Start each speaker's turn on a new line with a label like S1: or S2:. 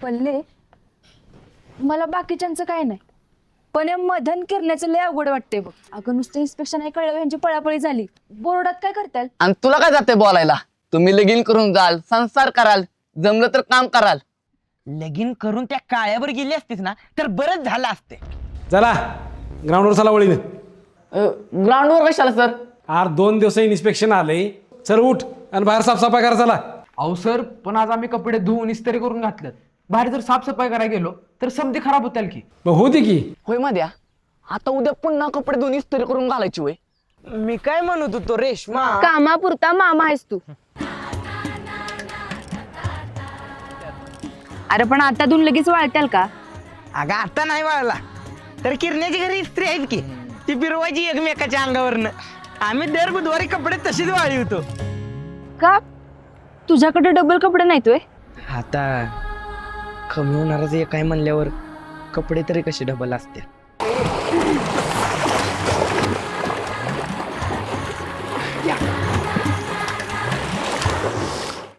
S1: पल्ले मला बाकीच्यांचं काय नाही, पण या मधन करण्याचं लय अवघड वाटते बघ. अगं नुसतं इन्स्पेक्शन आहे कळलं, यांची पळापळी झाली. बोर्डात काय करताल?
S2: आणि तुला काय जाते बोलायला? तुम्ही लगीन करून जाल, संसार कराल, जमलं तर काम कराल.
S3: लगीन करून त्या काळ्यावर गेली असतीस ना तर बरंच झालं असते.
S4: चला ग्राउंडवर चला वळीने.
S2: ग्राउंडवर कशाला सर?
S4: 2 दिवस इन्स्पेक्शन आले. चल उठ आणि बाहेर साफसफाई करा चला.
S5: अहो सर, पण आज आम्ही कपडे धुवून इस्त्री करून घातलेत. बाहेर जर साफसफाई करायला गेलो तर समधी खराब होतील की.
S4: मग होती की.
S2: होय मध्या, आता उद्या पुन्हा कपडे दोन्ही इस्त्री करून घालायची होय.
S3: मी काय म्हणत होतो रेश्मा,
S1: कामापुरता मामा आहेस तू. अरे पण आता धुवून लगेच वाळत्याल का?
S3: अगं आता नाही वाळला तर किरण्याची घरी इस्त्री आहेत की, ती फिरवायची एकमेकाच्या अंगावरनं. आम्ही दर बुधवारी कपडे तशीच वाळी होतो.
S1: का तुझ्याकडे डबल कपडे नाहीत होय?
S3: आता कमी होणारच एक काय म्हणल्यावर कपडे तरी कसे डबल असते.